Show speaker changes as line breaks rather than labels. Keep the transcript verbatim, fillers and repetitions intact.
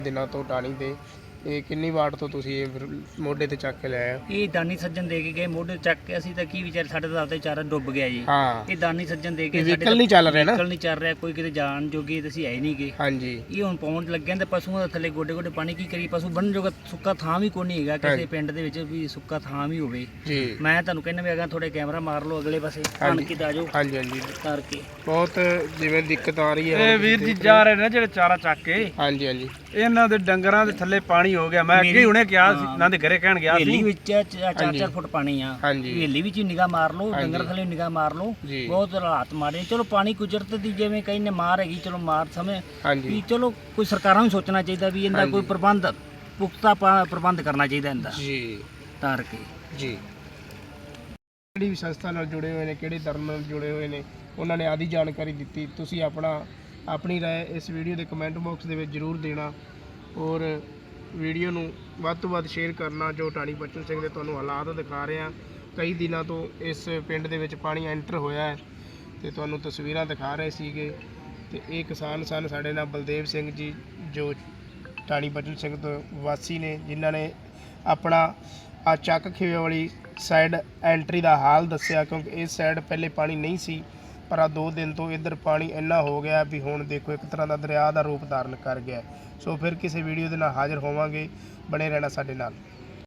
ਦਿਨਾਂ ਤੋਂ ਟਾਣੀ ਤੇ ਇਹ ਕਿੰਨੀ ਵਾਰ ਤੋਂ ਤੁਸੀਂ ਇਹ ਫਿਰ ਮੋਢੇ ਤੇ ਚੱਕ ਕੇ ਲੈ ਆਏ ਹੋ?
ਇਹ ਦਾਨੀ ਸੱਜਣ ਦੇ ਕੇ ਗਏ ਮੋਢੇ ਤੇ ਚੱਕ ਕੇ। ਅਸੀਂ ਤਾਂ ਕੀ ਵਿਚਾਰ, ਸਾਡੇ ਤਾਂ ਆਪਦਾ ਚਾਰਾ ਡੁੱਬ ਗਿਆ ਜੀ।
ਹਾਂ,
ਇਹ ਦਾਨੀ ਸੱਜਣ ਦੇ ਕੇ
ਇਹ ਵਹੀਕਲ ਨਹੀਂ ਚੱਲ ਰਿਹਾ ਨਾ?
ਵਹੀਕਲ ਨਹੀਂ ਚੱਲ ਰਿਹਾ, ਕੋਈ ਕਿਤੇ ਜਾਣ ਜੋਗੇ ਤੇ ਅਸੀਂ ਹੈ ਹੀ ਨਹੀਂ ਗਏ।
ਹਾਂਜੀ,
ਇਹ ਹੁਣ ਪਹੁੰਚ ਲੱਗਿਆ ਤੇ ਪਸ਼ੂਆਂ ਦਾ ਥੱਲੇ ਗੋਡੇ ਗੋਡੇ ਪਾਣੀ ਕੀ ਕਰੀ, ਪਸ਼ੂ ਬੰਨ ਜੋਗਾ ਸੁੱਕਾ ਥਾਂ ਵੀ ਕੋਈ ਨਹੀਂ ਹੈਗਾ ਕਿਸੇ ਪਿੰਡ ਦੇ ਵਿੱਚ ਵੀ ਸੁੱਕਾ ਥਾਂ ਵੀ ਹੋਵੇ
ਜੀ।
ਮੈਂ ਤੁਹਾਨੂੰ ਕਹਿੰਦਾ ਵੀ ਅਗਾ ਥੋੜੇ ਕੈਮਰਾ ਮਾਰ ਲਓ ਅਗਲੇ ਪਾਸੇ ਆਣ ਕੇ ਆ ਜਾਓ
ਹਾਂਜੀ ਹਾਂਜੀ,
ਕਰਕੇ।
ਬਹੁਤ ਜਿਵੇਂ ਦਿੱਕਤ ਆ ਰਹੀ ਹੈ
ਇਹ ਵੀਰ ਜੀ ਜਾ ਰਹੇ ਨੇ ਜਿਹੜੇ ਚਾਰਾ ਚੱਕ ਕੇ,
ਹਾਂਜੀ ਹਾਂਜੀ,
ਇਹਨਾਂ ਦੇ ਡੰਗਰਾਂ ਦੇ ਥੱਲੇ ਪਾਣੀ ਹੋ ਗਿਆ। ਮੈਂ ਅੱਗੇ ਹੁਣੇ ਕਿਹਾ ਸੀ, ਇਹਨਾਂ ਦੇ ਘਰੇ ਕਹਿਣ ਗਿਆ
ਹਵੇਲੀ
ਸੀ
ਵਿੱਚ ਚਾਰ ਚਾਰ ਫੁੱਟ ਪਾਣੀ ਆ।
ਹਾਂਜੀ।
ਹਵੇਲੀ ਵਿੱਚ ਨਿਗਾਹ ਮਾਰ ਲਓ, ਡੰਗਰ ਥੱਲੇ ਨਿਗਾਹ ਮਾਰ ਲਓ,
ਜੀ।
ਬਹੁਤ ਹਾਲਾਤ ਮਾਰੇ। ਚਲੋ ਪਾਣੀ ਕੁਦਰਤ ਦੀ ਜਿਵੇਂ ਕਈ ਨੇ ਮਾਰ ਹੈਗੀ, ਚਲੋ ਮਾਰ ਸਮੇਂ
ਹਾਂਜੀ
ਵੀ ਚਲੋ ਕੋਈ ਸਰਕਾਰਾਂ ਨੂੰ ਸੋਚਣਾ ਚਾਹੀਦਾ ਵੀ ਇਹਦਾ ਕੋਈ ਪ੍ਰਬੰਧ ਪੁਖਤਾ ਪਾ- ਪ੍ਰਬੰਧ ਕਰਨਾ ਚਾਹੀਦਾ ਇਹਦਾ
ਜੀ
ਤਾਰ ਕੇ
ਜੀ। ਕਿਹੜੀ ਵੀ ਸੰਸਥਾ ਨਾਲ ਜੁੜੇ ਹੋਏ ਨੇ, ਕਿਹੜੇ ਧਰਮ ਨਾਲ ਜੁੜੇ ਹੋਏ ਨੇ, ਉਹਨਾਂ ਨੇ ਆਦੀ ਜਾਣਕਾਰੀ ਦਿੱਤੀ। ਤੁਸੀਂ ਆਪਣਾ ਆਪਣੀ ਰਾਏ ਇਸ ਵੀਡੀਓ ਦੇ ਕਮੈਂਟ ਬਾਕਸ ਦੇ ਵਿੱਚ ਜ਼ਰੂਰ ਦੇਣਾ ਔਰ ਵੀਡੀਓ ਨੂੰ ਵੱਧ ਤੋਂ ਵੱਧ ਸ਼ੇਅਰ ਕਰਨਾ। ਜੋ ਟਾਣੀ ਬਚਨ ਸਿੰਘ ਦੇ ਤੁਹਾਨੂੰ ਹਾਲਾਤ ਦਿਖਾ ਰਹੇ ਹਾਂ, ਕਈ ਦਿਨਾਂ ਤੋਂ ਇਸ ਪਿੰਡ ਦੇ ਵਿੱਚ ਪਾਣੀ ਐਂਟਰ ਹੋਇਆ ਹੈ ਤੇ ਤੁਹਾਨੂੰ ਤਸਵੀਰਾਂ ਦਿਖਾ ਰਹੇ ਸੀਗੇ। ਤੇ ਇਹ ਕਿਸਾਨ ਸਨ ਸਾਡੇ ਨਾਲ ਬਲਦੇਵ ਸਿੰਘ ਜੀ, ਜੋ ਟਾਣੀ ਬਚਨ ਸਿੰਘ ਤੋਂ ਵਾਸੀ ਨੇ, ਜਿਨ੍ਹਾਂ ਨੇ ਆਪਣਾ ਆ ਚੱਕ ਖੇਵੇ ਵਾਲੀ ਸਾਈਡ ਐਂਟਰੀ ਦਾ ਹਾਲ ਦੱਸਿਆ, ਕਿਉਂਕਿ ਇਸ ਸਾਈਡ ਪਹਿਲੇ ਪਾਣੀ ਨਹੀਂ ਸੀ, ਪਰ ਆ ਦੋ ਦਿਨ ਤੋਂ ਇੱਧਰ ਪਾਣੀ ਇੰਨਾ ਹੋ ਗਿਆ ਵੀ ਹੁਣ ਦੇਖੋ ਇੱਕ ਤਰ੍ਹਾਂ ਦਾ ਦਰਿਆ ਦਾ ਰੂਪ ਧਾਰਨ ਕਰ ਗਿਆ। ਸੋ ਫਿਰ ਕਿਸੇ ਵੀਡੀਓ ਦੇ ਨਾਲ ਹਾਜ਼ਰ ਹੋਵਾਂਗੇ, ਬਣੇ ਰਹਿਣਾ ਸਾਡੇ ਨਾਲ।